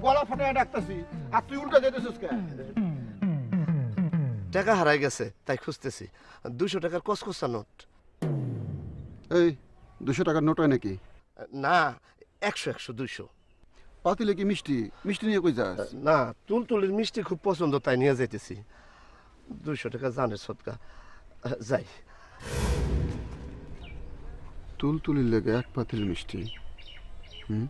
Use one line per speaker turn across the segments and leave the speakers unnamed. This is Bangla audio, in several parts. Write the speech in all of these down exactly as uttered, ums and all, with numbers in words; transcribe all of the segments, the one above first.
গলা ফাটায় ডাকতেছি আর তুই উল্টা যেতেছিস কেন?
টাকা হারাই গেছে তাই খুঁজতেছি। দুশো টাকার কসকসা নোট।
এই দুশো টাকার নোট হয় নাকি?
না, একশো একশো দুইশো।
পাতিলে কি মিষ্টি? মিষ্টি নিয়ে কই যাস?
না, তুলতুলির মিষ্টি খুব পছন্দ তাই নিয়ে যাইতেছি। দুইশো টাকা জানের সদকা। যাই।
তুলতুলির লেগে এক পাতিল মিষ্টি। হুম,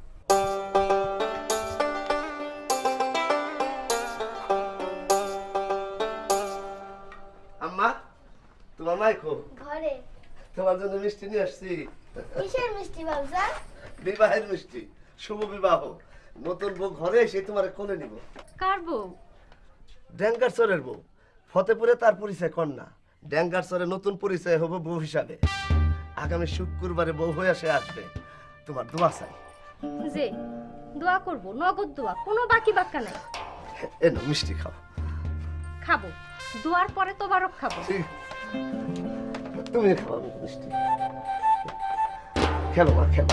আম্মা, তোমার মাইকো
ঘরে।
তোমার জন্য মিষ্টি নিয়ে আসছি।
কিসের মিষ্টি বাবজা?
বিবাহের মিষ্টি, শুভ বিবাহ। নতুন বউ ঘরে এসে তোমার কোলে নিব।
কার বউ?
ড্যাঙ্গার চরের বউ। ফতেপুরে তার পরিচয় কন্যা, ড্যাঙ্গার চরে নতুন পরিচয় হবে বউ হিসাবে। আগামী শুক্রবারে বউ হয়ে সে আসবে। তোমার দোয়া চাই।
যে দোয়া করব, নগদ দোয়া, কোনো বাকি বাক্কা নাই।
এনো মিষ্টি খাও।
খাবো, দোয়ার পরে তোবারক খাবো।
ঠিক, তুমি খাও মিষ্টি। খেলো মা, খেলো।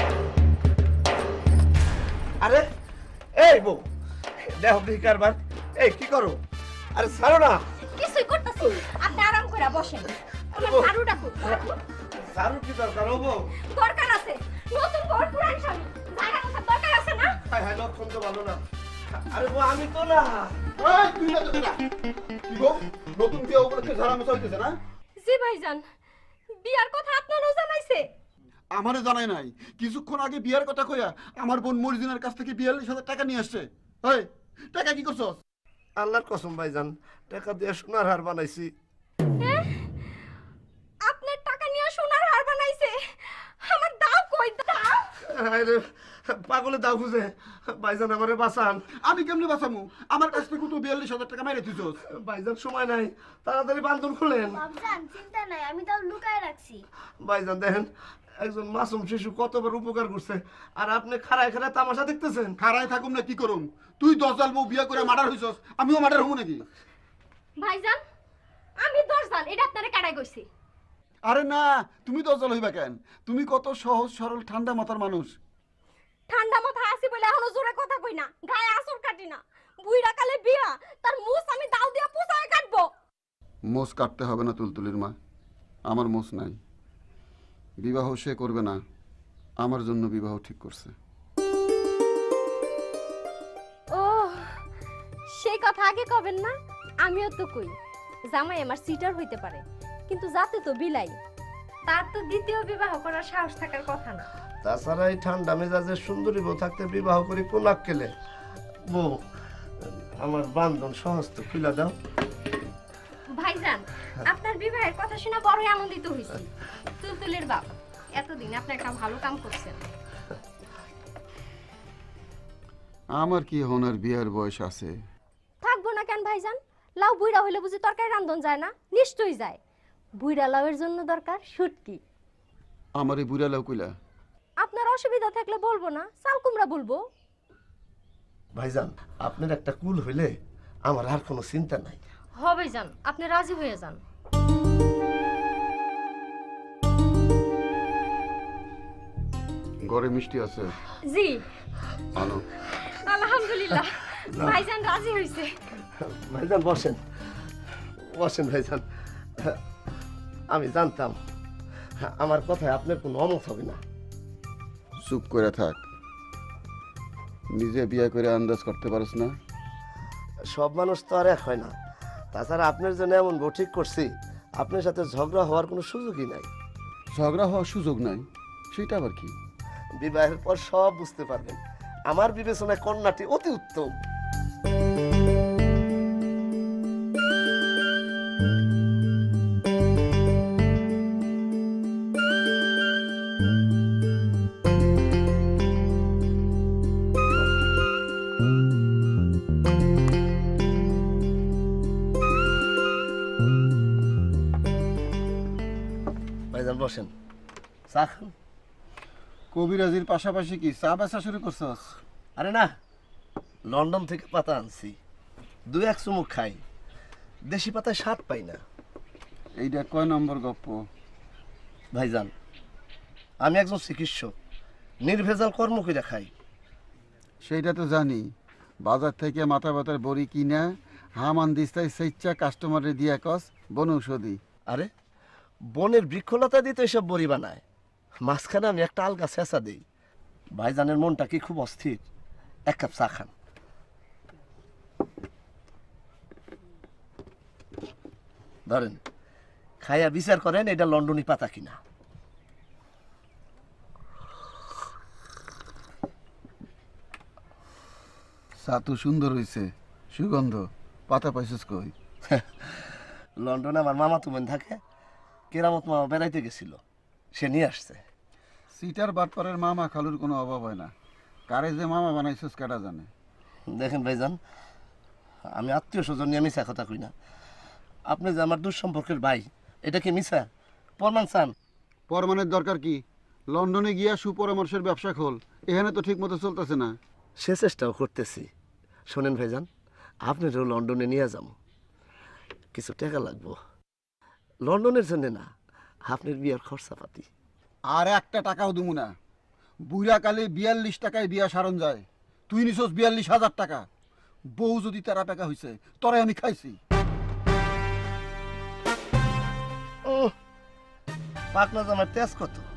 আরে এই বউ, দেখো কি কারবার। এই কি করো? আরে ছাড়ো না।
কিছুই করতেছি, আপনি আরাম করে বসেন। আমার ঝাড়ু ডাকো।
ঝাড়ু কি দরকার ও বউ?
দরকার আছে, নতুন বর পুরান স্বামী, জায়গা কথা দরকার আছে না?
হায় হায়, লক্ষণ তো ভালো না। আরে বউ আমি তো না।
এই তুই না তো না। কি গো, নতুন বিয়ে উপলক্ষে ঝাড়া মোছা হইতেছে না?
জি ভাইজান, বিয়ার কথা আপনারও জানাইছে?
আমারে জানাই নাই। কিছুক্ষণ আগে বিয়ার কথা কইয়া আমার বোন মরিজিনার কাছ থেকে বিয়াল্লিশ হাজার টাকা নিয়ে আসছে। এই টাকা কি করছস?
আল্লাহর কসম ভাইজান, টাকা দিয়ে সোনার হার বানাইছি।
আপনার টাকা নিয়ে সোনার হার বানাইছে? আমার দাও কই দাও?
আরে পাগলে দাও খুঁজে। ভাইজান আমারে বাঁচান।
আমি কেমনে বাঁচামু? আমার কাছ থেকে তো বিয়াল্লিশ হাজার টাকা মেরে দিছস।
ভাইজান সময় নাই, তাড়াতাড়ি বান্ধন খুলেন।
বাবজান চিন্তা নাই, আমি তাও লুকায় রাখছি।
ভাইজান দেখেন, একজন মাসুম শিশু কতবার উপকার করছে, আর আপনি খাড়ায় খাড়ায় তামাশা দেখতেছেন।
খারাই থাকুম না কি করুম? তুই দশ জাল বউ বিয়া করে মার্ডার হইছস, আমিও মার্ডার হবো নাকি?
ভাইজান আমি দশজান, এটা আপনারে কাটাই কইছি।
আরে না, তুমি দশ জাল হইবা কেন? তুমি কত সহজ সরল ঠান্ডা মাথার মানুষ।
ঠান্ডা মাথা আছি বলে এখনো জোরে কথা কই না, গায়ে আসর কাটি না। বুইড়া কালে বিয়া, তার মুছ আমি দাও দিয়া পুষায় কাটবো।
মোষ কাটতে হবে না তুলতুলির মা, আমার মোষ নাই। বিবাহ সে করবে না, আমার জন্য বিবাহ ঠিক করছে।
ও সেই কথা আগে কবেন না? আমিও তো কই জামাই আমার সিটার হইতে পারে, কিন্তু যাতে তো বিলাই, তার তো দ্বিতীয় বিবাহ করার সাহস থাকার কথা না।
তাছাড়া এই ঠান্ডা মেজাজের সুন্দরী বউ থাকতে বিবাহ করি কোন আক্কেলে? বউ, আমার বান্ধন সমস্ত খুলে দাও।
ভাইজান আপনার বিবাহের কথা শুনে বড়ই আনন্দিত হইছি। তুলতুলের বাপ, এতদিন আপনি একটা ভালো কাম করছেন।
আমার কি হনার বিয়ার বয়স আছে?
থাকবো না কেন ভাইজান? লাউ বুইড়া হইলে বুঝি তরকারি রান্ধন যায় না? নিশ্চয়ই যায়। বুইড়া লাউয়ের জন্য দরকার শুটকি।
আমার এই বুড়া লাউ কইলা?
আপনার অসুবিধা থাকলে বলবো না, চাল কুমড়া বলবো।
ভাইজান আপনার একটা কুল হইলে আমার আর কোনো চিন্তা নাই।
হবে যান, আপনি রাজি হয়ে যান।
ঘরে মিষ্টি আছে?
জি
আনো।
আলহামদুলিল্লাহ, ভাইজান রাজি হইছে।
ভাইজান বসেন, বসেন ভাইজান। আমি জানতাম আমার কথায় আপনার কোনো অমত হবে না।
চুপ করে থাক। নিজে বিয়ে করে আন্দাজ করতে পারছ না?
সব মানুষ তো আর এক হয় না। তাছাড়া আপনার জন্য এমন বউ ঠিক করছি, আপনার সাথে ঝগড়া হওয়ার কোনো সুযোগই নাই।
ঝগড়া হওয়ার সুযোগ নাই সেটা আবার কি?
বিবাহের পর সব বুঝতে পারবেন। আমার বিবেচনায় কন্যাটি অতি উত্তম। ভাইজান বসেন, চা খান।
কবিরাজির পাশাপাশি কি চা বেচা শুরু করছস?
আরে না, লন্ডন থেকে পাতা আনছি, দুই এক চুমুক খাই। দেশি পাতায় স্বাদ পাই না।
এইটা কয় নম্বর গপ্প?
ভাইজান আমি একজন চিকিৎসক, নির্ভেজাল কর্ম করে খাই।
সেইটা তো জানি, বাজার থেকে মাথা ব্যথার বড়ি কিনা হামান দিস্তায় সেইচ্ছা কাস্টমারে দিয়া কস বনৌষধি।
আরে বনের বৃক্ষলতা দিয়ে তো এসব বড়ি বানায়। মাঝখানে আমি একটা আলগা চেঁচা দিই। ভাইজানের মনটা কি খুব অস্থির। এক কাপ চা খান। ধরেন, খাইয়া বিচার করেন এটা লন্ডনী পাতা কিনা।
চা তো সুন্দর হইছে, সুগন্ধ। পাতা পাইছিস কই?
লন্ডনে আমার মামা তুমেন থাকে, কেরামত মামা বেড়াইতে গেছিল, সে নিয়ে আসছে।
সিটার বাটপাড়ের মামা খালুর কোনো অভাব হয় না। কারে যে মামা বানাইছিস কাটা জানে।
দেখেন ভাইজান, আমি আত্মীয় স্বজন নিয়ে মিশা কথা কই না। আপনি যে আমার দুঃসম্পর্কের ভাই, এটা কি মিশা প্রমাণ চান?
পরমানের দরকার কি? লন্ডনে গিয়া সুপরামর্শের ব্যবসা খোল। এখানে তো ঠিক মতো চলতেছে না।
সে চেষ্টাও করতেছি। শোনেন ভাইজান, আপনারও লন্ডনে নিয়ে যাব, কিছু টাকা লাগবো। লন্ডনের জন্য না, আপনার বিয়ার খরচাপাতি।
আর একটা টাকাও দিমু না। বুড়া কালে বিয়াল্লিশ টাকায় বিয়া সারণ যায়, তুই নিছস বিয়াল্লিশ হাজার টাকা। বউ যদি তেরা টাকা হয়েছে তরে আমি খাইছি।
পাকনা জামার তেজ কত?